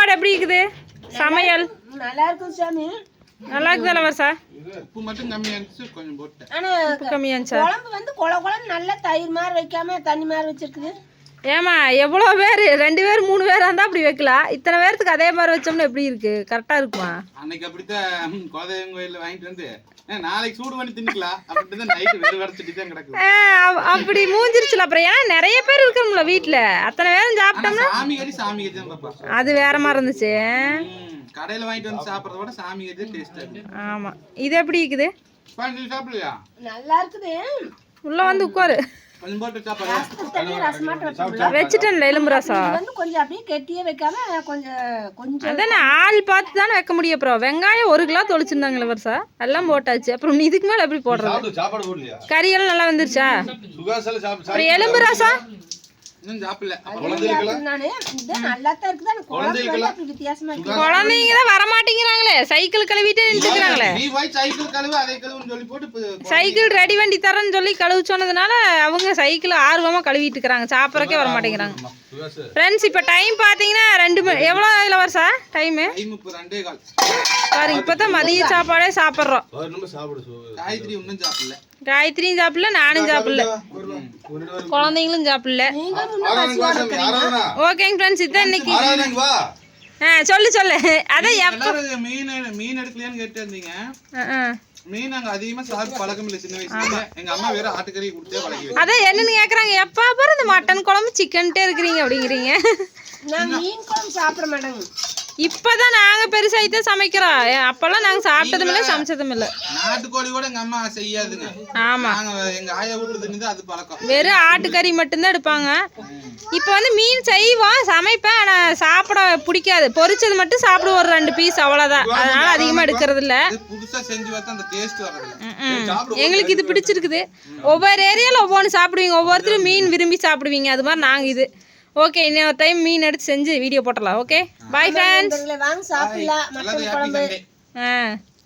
சாப்பாடு எப்படி இருக்குது சமையல்? நல்லா இருக்கும் சாமி. நல்லா இருக்குதா வருஷா? உப்பு மட்டும் கம்மியா இருந்துச்சு, கொஞ்சம் போட்டேன். ஆனா உப்பு கம்மியா இருந்துச்சா? குழம்பு வந்து குழம்பு நல்லா தயிர் மாதிரி வைக்காம தண்ணி மாதிரி வச்சிருக்குது. ஏமா எவ்வளோ பேர் 2 பேர் 3 பேர் இருந்தால் அப்படி வைக்கலாம். இத்தனை பேர்த்துக்கு அதே மாதிரி வச்சோம்னா எப்படி இருக்கு? கரெக்டாக இருக்குமா? அன்னைக்கு அப்படித்தான் குலதெய்வம் கோயிலில் வாங்கிட்டு வந்து நாளைக்கு சூடு பண்ணி தின்னுக்கலாம் அப்படின்ட்டு தான் நைட்டு வெறு வரைச்சிட்டு தான் கிடக்குது. அப்படி மூஞ்சிருச்சுல. அப்புறம் ஏன்னா நிறைய பேர் இருக்கணும்ல வீட்டில், அத்தனை பேரும் சாப்பிட்டோம்னா சாமி கறி தான் பாப்பா. அது வேற மாதிரி இருந்துச்சு. கடையில் வாங்கிட்டு வந்து சாப்பிட்றத விட சாமி கறி தான் டேஸ்ட்டாக இருக்கு. ஆமாம். இது எப்படி இருக்குது? சாப்பிடலையா? நல்லா இருக்குது. உள்ள வந்து உட்காரு. கொஞ்சம் போட்டு சாப்பாடு வச்சுட்டேன்ல எலும்பு ரசம். வந்து கொஞ்சம் அப்படியே கெட்டியே வைக்காம கொஞ்சம் அதானே ஆள் பார்த்து தானே வைக்க முடியும். அப்புறம் வெங்காயம் 1 கிலோ தொளிச்சிருந்தாங்களே வருஷா, எல்லாம் போட்டாச்சு. அப்புறம் இதுக்கு மேலே எப்படி போடுறது? கறியெல்லாம் நல்லா வந்துருச்சா? அப்புறம் எலும்பு ரசம் குழந்தைங்க தான் வரமாட்டேங்கிறாங்களே, சைக்கிள் கழுவிட்டு நின்றுக்கிறாங்களே. சைக்கிள் ரெடி வண்டி தரேன்னு சொல்லி கழுவு சொன்னதுனால அவங்க சைக்கிள் ஆர்வமா கழுவிட்டு இருக்கிறாங்க, சாப்பிட்றக்கே வர மாட்டேங்கிறாங்க. ஃப்ரெண்ட்ஸ் இப்போ டைம் பார்த்தீங்கன்னா 2 மணி. எவ்வளோ இல்லை வருஷா டைமு? பாருங்க, இப்போதான் மதிய சாப்பாடே சாப்பிட்றோம். காயத்ரியும் சாப்பிடல, நானும் சாப்பிடல, குழந்தைங்களும் சாப்பிடல. ஓகேங்க ஃப்ரெண்ட்ஸ், இதுதான் இன்னைக்கு. சொல்லு அதான் எப்போ மீன் எடுக்கலையான்னு கேட்டு இருந்தீங்க. மீன் அங்க அதிகமா சாப்பிட்டு பழக்கம் இல்லை. சின்ன வயசுல எங்க அம்மா வேற ஆட்டுக்கறி கொடுத்தே பழகி. அதான் என்னன்னு கேக்குறாங்க, எப்பா பாரு இந்த மட்டன் குழம்பு சிக்கன்ட்டே இருக்கிறீங்க அப்படிங்கிறீங்க. நான் மீன் குழம்பு சாப்பிட மாட்டேங்க. இப்பதான் நாங்க பெருசாயிட்டு சமைக்கிறோம். அப்பெல்லாம் நாங்க சாப்பிட்டதும் இல்லை, சமைச்சதும் இல்லை. நாட்டுக்கோழி கூட எங்க அம்மா செய்யாதுங்க. ஆமா, எங்க ஆயா வீட்டுல அது பழக்கம். வெறும் ஆட்டுக்கறி மட்டும்தான் எடுப்பாங்க. இப்ப வந்து மீன் செய்வோம், சமைப்பேன். ஆனா சாப்பிட பிடிக்காது. பொரிச்சது மட்டும் சாப்பிடுவோம், ஒரு 2 பீஸ் அவ்வளவுதான். அதனால அதிகமா எடுக்கிறது இல்ல. புதுசா செஞ்சு பார்த்தா அந்த டேஸ்ட் வரது. எங்களுக்கு இது பிடிச்சிருக்குது. ஒவ்வொரு ஏரியால ஒவ்வொன்று சாப்பிடுவீங்க, ஒவ்வொருத்தரும் மீன் விரும்பி சாப்பிடுவீங்க. அது மாதிரி நாங்க இது. ஓகே, இன்னொரு டைம் மீன் எடுத்து செஞ்சு வீடியோ போட்டலாம். Okay, bye friends. வாங்க சாப்பிடலாம் மட்டன் குழம்பு.